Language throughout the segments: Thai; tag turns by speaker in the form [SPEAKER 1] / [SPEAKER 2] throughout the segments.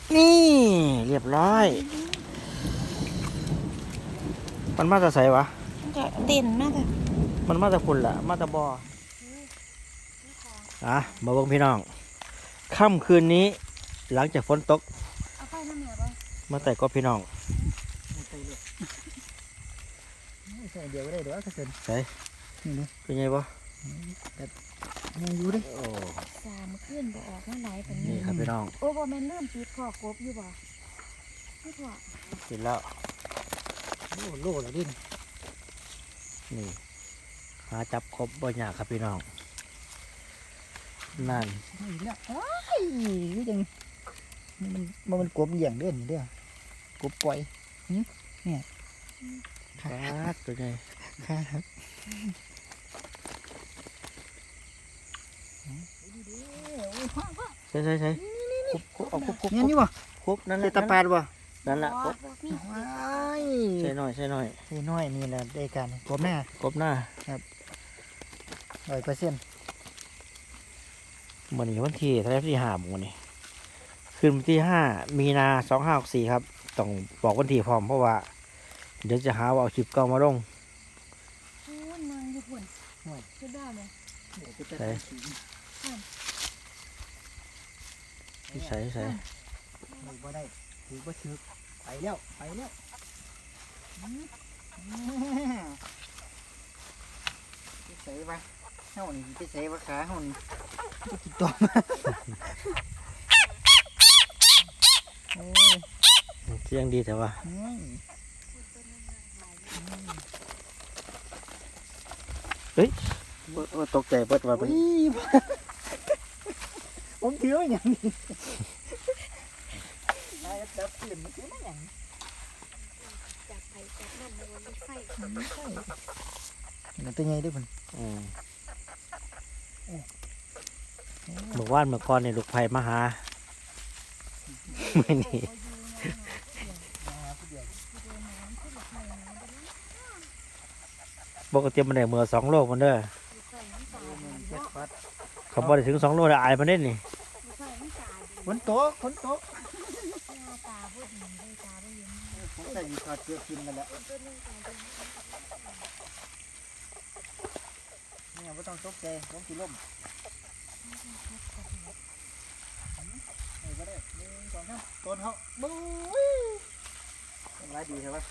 [SPEAKER 1] นี่เรียบร้อยมันมาจะใส่วะ
[SPEAKER 2] มันก็เด่นมากเลย
[SPEAKER 1] มันมาจะคุณล่ะมาจะบอมาเบิ่งพี่น้องค่ำคืนนี้หลังจากฝนตก
[SPEAKER 2] เอาไปน้ำเหนียวไป
[SPEAKER 1] มาแต่ก็พี่น้อง
[SPEAKER 3] ใส่เดียวก็ได้เดี๋ยวก็เสร็จ
[SPEAKER 1] ใส่เป็นไงบ่
[SPEAKER 3] ยังอยู่ดิ
[SPEAKER 2] 3 ขึ้นบ่ออกมาหลายเป็น
[SPEAKER 1] นี่ครับพี่น้อง
[SPEAKER 2] โอ้บ่แม่นเริ่มปิดคอกบอยู่บ่ไม่พอ
[SPEAKER 1] ปิดแล้ว
[SPEAKER 3] โลแล้วดิ
[SPEAKER 1] นี่หาจับครบบ่ยากครับพี่น้องนั่น
[SPEAKER 3] นี่แล้วไอ้ยังมันกบเหยี่ยงเด่นเด้อกบปล่อยเนี่ย
[SPEAKER 1] ครับตัวใหญ่
[SPEAKER 3] ครับ
[SPEAKER 1] ใช่คุบเอาคุบ
[SPEAKER 3] เนี่ยนี่วะ
[SPEAKER 1] คุบนั่นแหละ
[SPEAKER 3] ตะปาดวะ
[SPEAKER 1] นั่นแหละคุบใช่หน่อย
[SPEAKER 3] นี่แหละได้การกบหน้
[SPEAKER 1] ครับ
[SPEAKER 3] 100%
[SPEAKER 1] วันนี้วันที่ที่5วันนี้คืนวันที่5 มีนา 2564ครับต้องบอกวันที่พร้อมเพราะว่าเดี๋ยวจะหาว่าเอาคลิปเก่ามาลง
[SPEAKER 2] นางอยู่พุ่นขึ้นได้ไหม
[SPEAKER 1] ใส่
[SPEAKER 3] บ่ได้ถือบ่ถือไปแล้วใส่ไปเฮ้านี่ไปใส่ว่าขาเฮ้านี่กินตัว
[SPEAKER 1] เสียงดีแต่ว่าเฮ้ยตกใจเปิดว่าเป็น
[SPEAKER 3] ผมถือว่าอย่างนี้ได้จับปืนมันถือว่าอย่าง
[SPEAKER 2] จับไปจับนั่นมันไฟ
[SPEAKER 3] มันตัวใหญ่ด้วยมัน
[SPEAKER 1] เมื่อวานเมื่อก่อนเนี่ยลูกไผ่มาหาไม่นี่ปกติมันได้เมื่อ2 โลมันเด้อเขาบอกได้ถึง2 โลได้อายมันเด่นนี่
[SPEAKER 3] ฝนตกผมใส่ถอดเสื้อกินกันแล้วเนี่ยไม่ต้องตกใจผมกินลมก็ได้1 2 3ต้นเขาบู๊จังหวะดีครับ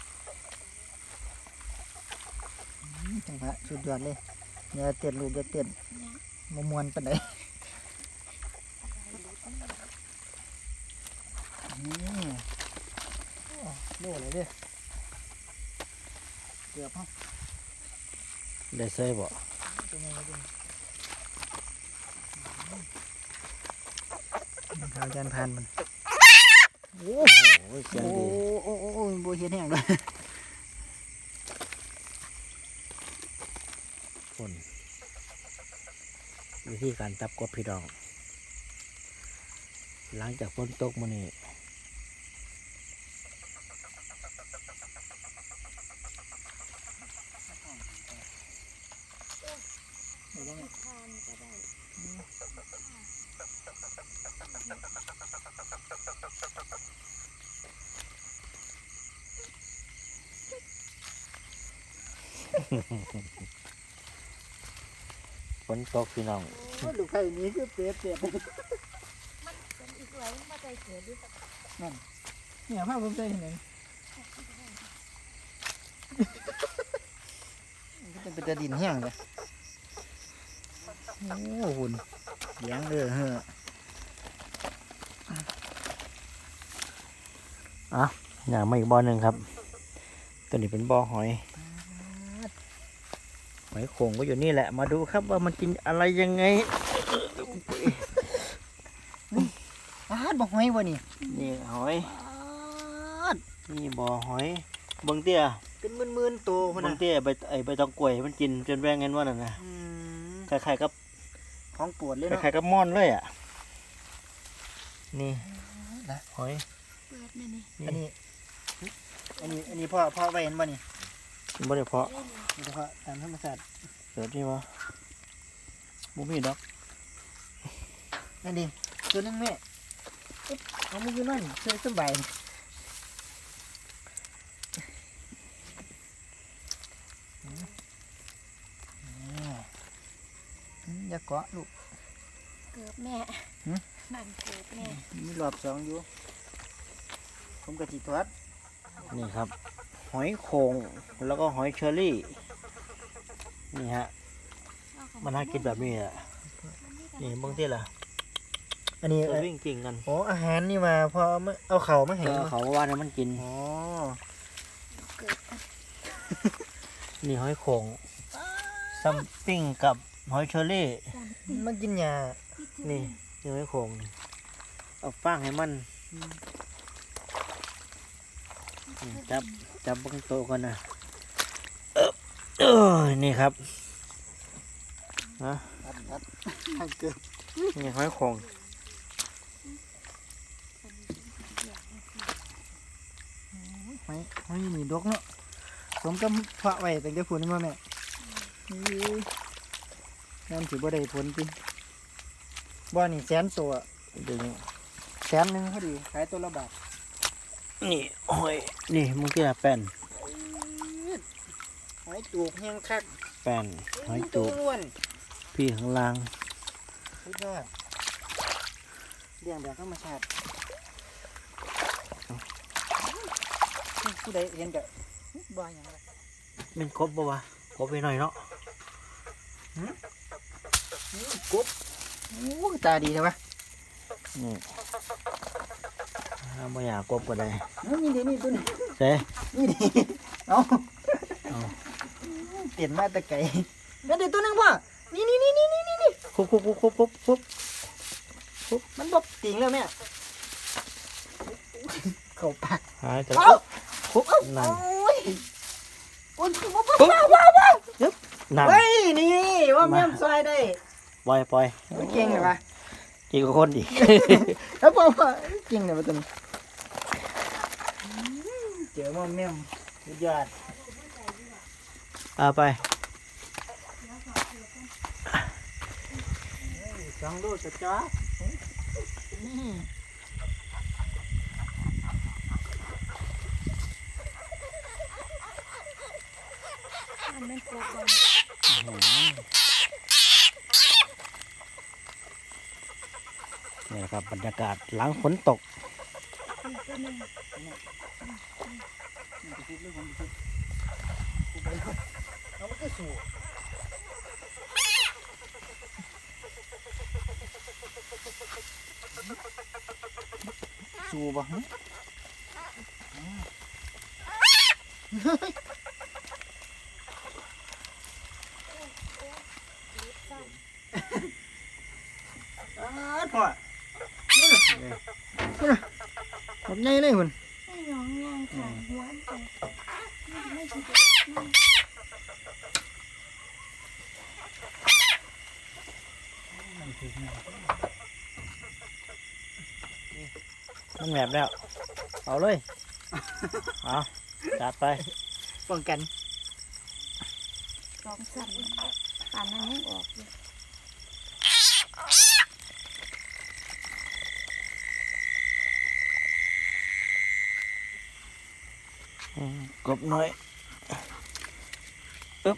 [SPEAKER 3] จังหวะสุดยอดเลยเนี่ยเต้นลูกจะเต้นมวนๆปานใดโล่เลยเด้เกือบฮะ
[SPEAKER 1] ได้ใส่บ่
[SPEAKER 3] ข้าวจานพันมัน
[SPEAKER 1] โอ้โหเสียงดี
[SPEAKER 3] โอ้โบเห็นแห้งเลย
[SPEAKER 1] คนวิธีการจับกบพี่น้องหลังจากฝนตกมื้อนี้ฝนตกพี่น้อง
[SPEAKER 3] ลูกไข่นี้คือเปียก
[SPEAKER 2] มันเป็นอีกหลายมาใจเสียดิ
[SPEAKER 3] นั่นเนี่ยภาพผมใจเห็นเลยก็เป็นตะดินแห้งเลยโอ้หุ่นเลี้ยงเลยเหร
[SPEAKER 1] อย่างมาอีกบ่อหนึ่งครับตัวนี้เป็นบ่อหอยโข่งก็อยู่นี่แหละมาดูครับว่ามันกินอะไรยังไง
[SPEAKER 3] บ่หอยวะนี่
[SPEAKER 1] นี่หอยนี่บ่อหอยบางเตี้ย
[SPEAKER 3] เป็นมื่นๆโต
[SPEAKER 1] บางเตี้ยใบตองกล้วยมันกินจนแว่งเงินว่านั่นนะคล้ายๆกับ
[SPEAKER 3] ของปวดเลยเนาะ
[SPEAKER 1] คล้ายๆกับม่อนเลยอ่ะนี่หอย
[SPEAKER 3] อันนี้พ่อไว้เห็นบ่นี่
[SPEAKER 1] บ่ได้เพาะ
[SPEAKER 3] ตามธรรมชาติ
[SPEAKER 1] เกิดนี่วะบุ้มีดอก
[SPEAKER 3] นั่นดิตัวนึงแม่เอามือขึ้นนั่นเฉยสบายอย่าเกาะลูก
[SPEAKER 2] เกือบแม่นั่นเกือบแม่
[SPEAKER 3] มีรอบสองอยู่ผมกะทิทอด
[SPEAKER 1] นี่ครับ หอยโข่งแล้วก็หอยเชอรี่นี่ฮะมันน่ากินแบบนี้แหละนี่บางทีล่ะ
[SPEAKER 3] อันนี้
[SPEAKER 1] จะวิ่งกิ่งกัน
[SPEAKER 3] โอ้อาหารนี่มาพอเอาเข่ามาให้
[SPEAKER 1] เออเขาว่าเนี่ยมันกิน
[SPEAKER 3] อ๋อ
[SPEAKER 2] เกือบ
[SPEAKER 1] นี่หอยโข่งซัมปิ้งกับหอยเชอรี่
[SPEAKER 3] มันกินหญ้า
[SPEAKER 1] นี่หอยโข่งเอาฟางให้มันจับบางโตะกันนะนี่ครับนะ
[SPEAKER 3] อัดเกือบ
[SPEAKER 1] นี่หอยโข่ง
[SPEAKER 3] ไม่มีดอกเนาะผมก็เพาะไว้แต่เดี๋ยวผลมาแม่นั่นถือบ่ได้ผลจริงบ่นี่แสนตัว
[SPEAKER 1] ดึง
[SPEAKER 3] แสนหนึ่งพอดีขายตัวละบาท
[SPEAKER 1] นี่หอยนี่มึงกี่ละแป้น
[SPEAKER 3] หอยจูบแห้งคัก
[SPEAKER 1] แป้นหอยจูบ
[SPEAKER 3] ล้วน
[SPEAKER 1] พี่ข้างล่าง
[SPEAKER 3] สุดยอดเลี้ยงแบบธรรมชาติผู้ใดเห็นก็บ่อย่างไร
[SPEAKER 1] เป็นกบปะวะกบไปหน่อยเนาะ
[SPEAKER 3] กบโอ้ตาดีเลยวะ
[SPEAKER 1] นี่ถ้าไม่อยากกบก็ได้
[SPEAKER 3] นี่ดินี่ตัวนี้
[SPEAKER 1] เซ่
[SPEAKER 3] นี่ดิเอาเปลี่ยนมาแตะไก่นั่นเดี๋ยวตัวนึงว่ะนี่
[SPEAKER 1] คุบ
[SPEAKER 3] มันบบติ่งแล้วแม่เข้าปาก
[SPEAKER 1] หายแต่
[SPEAKER 3] คุบ
[SPEAKER 1] นั่น
[SPEAKER 3] โอ้ยว้าว
[SPEAKER 1] นั่น
[SPEAKER 3] เฮ้ยนี่ว่าแม่มซอยได้
[SPEAKER 1] ปล่อย
[SPEAKER 3] เก่งเลยวะ
[SPEAKER 1] จีกับคนดิ
[SPEAKER 3] แล้วบอกว่าเก่งเลยวะตัวนี้เจอว่าแม่มสุดยอด
[SPEAKER 1] เอาไป
[SPEAKER 3] 2 ลูกจะจ้า
[SPEAKER 2] มันไม่กลัวบอล
[SPEAKER 1] นี่แหละครับบรรยากาศหลังฝนตก
[SPEAKER 3] เอามันก็สู้บ่ฮะพ่อผมใหญ่เลยคุณ
[SPEAKER 2] ไม่ยองย่างค่ะหัวไปไม่ใช่
[SPEAKER 1] มันแหมบแล้ว เอาเลย เอาจัดไป
[SPEAKER 3] ป้องกัน
[SPEAKER 2] สองสั่นป่านนั้นยังออกอยู่
[SPEAKER 1] กบหน่อยอึ๊บ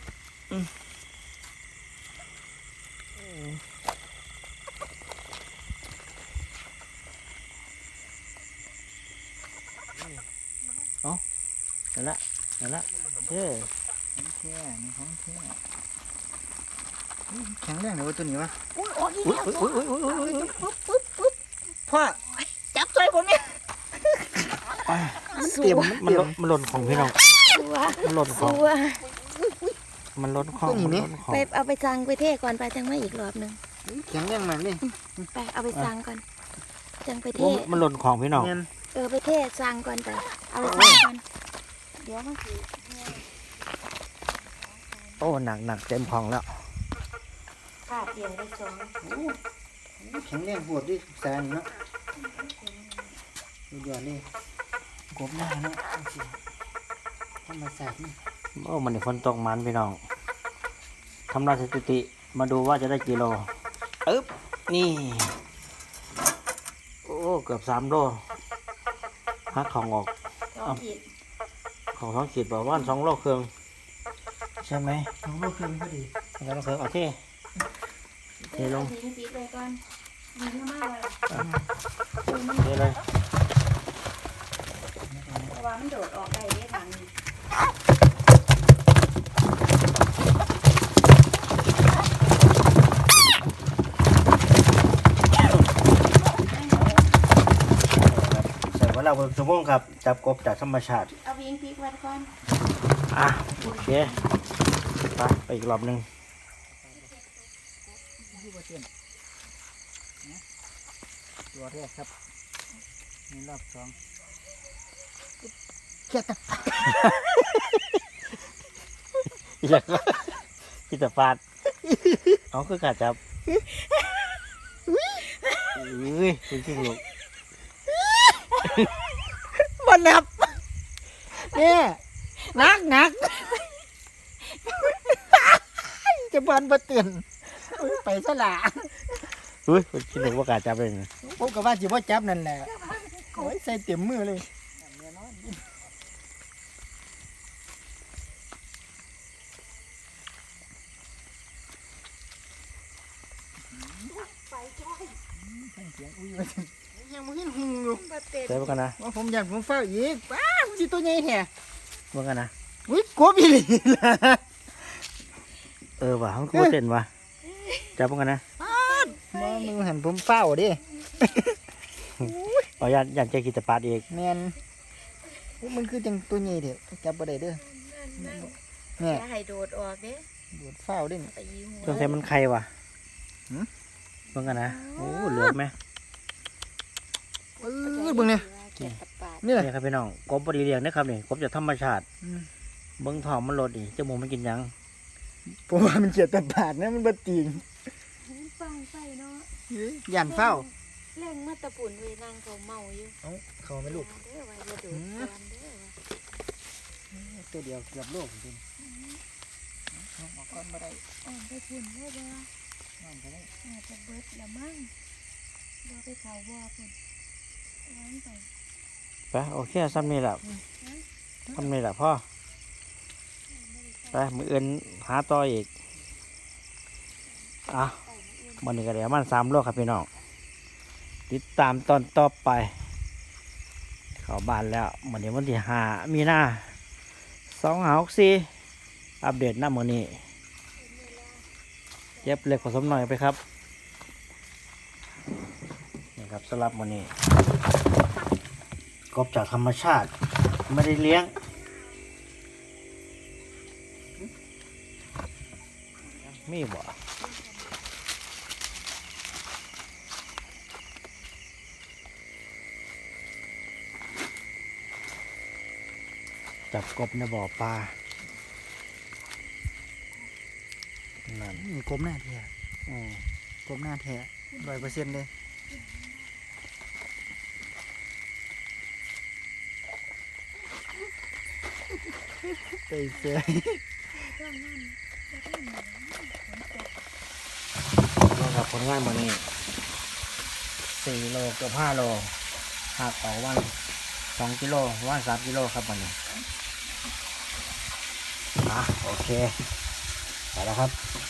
[SPEAKER 1] เอานั่นละเฮ้ย
[SPEAKER 3] แท้นี่ของแท้แข็งแรงเลยวะตัวนี้วะ
[SPEAKER 2] อุ้ยออกอีก
[SPEAKER 1] อุ้ย
[SPEAKER 2] แล้ว
[SPEAKER 1] อุ้ย
[SPEAKER 3] พ่อจับใจผมเนี่ย
[SPEAKER 2] สั
[SPEAKER 3] เตรียม
[SPEAKER 2] ว
[SPEAKER 1] มันหล่นของพี่น้อง
[SPEAKER 2] สัว
[SPEAKER 1] มันหล่นของ
[SPEAKER 2] สัว
[SPEAKER 1] มันหล่นของมันหล่นของ
[SPEAKER 2] ไปเอาไปสั่งไปเทก่อนไปจังไม่อีกรอบหนึง
[SPEAKER 3] แข็งแรงมากเลย
[SPEAKER 2] ไปเอาไปสั่งก่อนจังไปเท
[SPEAKER 1] มันหล่นของพี่น้อง
[SPEAKER 3] เงิน
[SPEAKER 2] ไปเทสั่งก่อนไปเอาไปสั่งก่อนเดี๋ยวมันคือ
[SPEAKER 1] โอ้หนักเต็มของแล้ว
[SPEAKER 2] ขาดเตียงไปสอง
[SPEAKER 3] แข็งแรงปวดด้วยแสนเนาะสุดยอดเลยกบหน้าเนาะธรรมศาสตร์นี่
[SPEAKER 1] โอ้มันฝนตกมันพี่น้องทำลายสถิติมาดูว่าจะได้กี่โลอึ๊บนี่โอ้เกือบ3 โลหักของออก
[SPEAKER 2] 2 ขีด
[SPEAKER 1] ของท้องขีดประมาณ2 โลครึ่งใช่ไหม
[SPEAKER 3] 2 โลครึ่งพอดี
[SPEAKER 1] 2 โลครึ่งโอเคเทลง
[SPEAKER 2] ทิ้งปิดเลยก่อนมีเยอะมากเลย
[SPEAKER 1] เทเลย
[SPEAKER 2] เพราะว่ามันโดดออกได้ได้ทางนี้
[SPEAKER 1] ใส่ว่าเราเป็นชั่วโมงครับจับกบจากธรรมชาติ
[SPEAKER 2] เอาวิ่งพลิกไว้ก่อน
[SPEAKER 1] อ่ะโอเคไปอีกรอบหนึ่ง
[SPEAKER 3] ตัวแรกครับนี่รอบ2เขียดตะ
[SPEAKER 1] อยากกินแต่ฟาดเอาคือกาจับอุ้ยคุณชิงลูก
[SPEAKER 3] บ่นับเนี่ยนักจะบานบ่เตือนไปซะละ
[SPEAKER 1] อุ้ยคุณชิงลูกว่ากาจับเลยนะ
[SPEAKER 3] ผมก็ว่าสิบ่จับนั่นแหละโอ้ยใส่เต็มมือเลยเสียงอุ้ยว่ายังบ่เห็นหุงอยู่
[SPEAKER 2] บ่เต็ม
[SPEAKER 1] ใส่พวกกันนะ
[SPEAKER 3] ว่าผมอยากผมเฝ้าอีกว้ามันสิตัวใหญ่แท้
[SPEAKER 1] พวกกันนะ
[SPEAKER 3] อุ้ยกบอีหลีล่ะ
[SPEAKER 1] ว่ะมันกูเต้นว่ะจับพวกกันนะ
[SPEAKER 3] มามือหันผมเฝ้าดิ
[SPEAKER 1] เอาอยากเจอกินแต่ปาดอีก
[SPEAKER 3] แม่นอุ๊ยมันคือจังตัวใหญ่เด้อจับบ่ได้เด้อ
[SPEAKER 2] นั่น
[SPEAKER 3] แม่
[SPEAKER 2] อย่าให้โดดออกเด้
[SPEAKER 3] โดดเฝ้าเด้อ
[SPEAKER 2] ตีหัว
[SPEAKER 1] สงสัยมันใครว่ะ
[SPEAKER 3] หืม
[SPEAKER 1] พวกกันนะโอ้เหลือไหม
[SPEAKER 3] เบิ่งเนี่ย
[SPEAKER 2] เก็บตับปาด
[SPEAKER 3] นี่แหละ
[SPEAKER 1] นี่ครับพี่น้องกบบริเลียงนะครับนี่กบจากธรรมชาติ
[SPEAKER 3] อืม
[SPEAKER 1] เบิ้งทองมันลดนี่จมูกมันกินหยัง
[SPEAKER 3] ผมว่ามันเกียดตะบาดนะมันบ่ตีน
[SPEAKER 2] ฟังไปเนาะ
[SPEAKER 3] ย่านเฝ้า
[SPEAKER 2] แรงมาตะปุ่นเวยนางเขาเมาอยู่
[SPEAKER 3] เอ้าเขาไม่ลูก
[SPEAKER 2] เด้อว่าอย่าโดดก่อนเด้อว่า
[SPEAKER 3] ตัวเดียวเกือบโลกจริงเอาออกก่อนบ่ได้
[SPEAKER 2] อ่อนไปปุ่นได้บ่
[SPEAKER 3] น้องก็ได้
[SPEAKER 2] อาจจะเบิดละมั้งบ่ไปเขาบ่ปุ่นวางไป
[SPEAKER 1] ไปโอเคซ้ำนี่แหละซ้ำนี่แหละพ่อไปมืออื่นหาต่ออีกอ่ะวันนี้ก็เดี๋ยวมัน3 โลครับพี่น้องติดตามตอนต่อไป เข้าบ้านแล้ววันนี้วันที่5 มีนา2564อัปเดตหน้ามื้อนี้เย็บเล็กผสมหน่อยไปครับนี่ครับสำหรับมื้อนี้กบจากธรรมชาติไม่ได้เลี้ยงมีบ่จับกบในบ่อปลานั่น
[SPEAKER 3] กลมหน้าแท้
[SPEAKER 1] อืม
[SPEAKER 3] กลมหน้าแท้100%เลยเตยเสย
[SPEAKER 1] ลงกับผลงานมื้อนี้4 โลเกือบ5 โลหักออกวัน2 กิโลวัน3 กิโลครับวันนี้โอเคไปแล้วครับ